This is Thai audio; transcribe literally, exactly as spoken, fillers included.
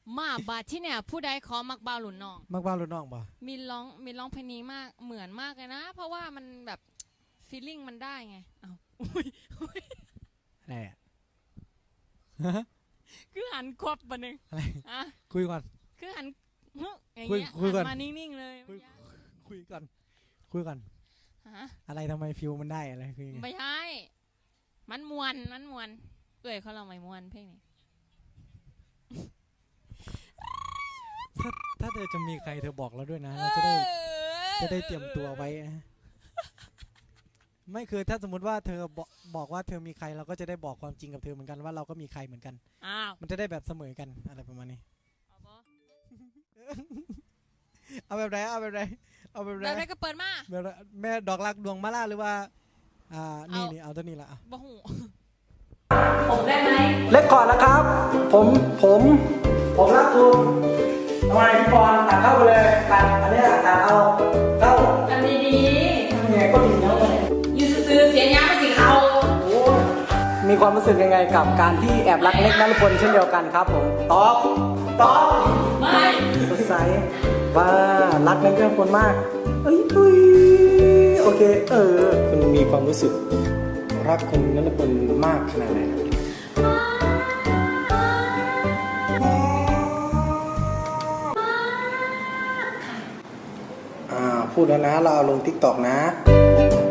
มาบาดที่เนี่ยผู้ใดขอมักบ่าวหลุนน้องมักบ้ารุ่นน้องบ่มีร้องมีร้องเพลงนี้มากเหมือนมากเลยนะ เพราะว่ามันแบบฟีลลิ่งมันได้ไงอ้าวอะไรอ่ะคือหันควับปะนึงอะไรอ่ะคุยก่อนคือหันอย่างเงี้ยหันมานิ่งๆเลยคุยก่อนคุยก่อนอะไรทำไมฟิวมันได้อะไรคือไม่ใช่มันมวนมันมวนเอ้ยเขาเราไม่มวนเพลงนี้ถ้าถ้าเธอจะมีใครเธอบอกเราด้วยนะเราจะได้จะได้เตรียมตัวไว้ไม่คือถ้าสมมติว่าเธอบอกบอกว่าเธอมีใครเราก็จะได้บอกความจริงกับเธอเหมือนกันว่าเราก็มีใครเหมือนกันอ้าวมันจะได้แบบเสมอกันอะไรประมาณนี้เอาแบบไหนเอาแบบไหนเอาแบบไหนแบบไหนก็เปิดมาแบบแม่ดอกรักดวงมาล่าหรือว่าอ่านี่นี่เอาตัวนี้ละอ่ะบ่หูผมได้ไหมเล็กก่อนนะครับผมผมผมรักคุณทำไมพี่บอลตัดเข้าไปเลยตัดอันนี้ตัดเอาเข้าทำดีๆยังไงก็ดีแล้วเลยยืนซื้อเสียงยาไม่สีเขามีความรู้สึกยังไงกับการที่แอบรักเล็กนฤพลเช่นเดียวกันครับผมตอบตอบไม่สดใสว่ารักเล็กนฤพลมากเอ้ยอุ้ยโอเคเออคุณมีความรู้สึกรักคุณนฤพลมากขนาดไหนครับพูดแล้วนะเราเอาลงทิกตอกนะ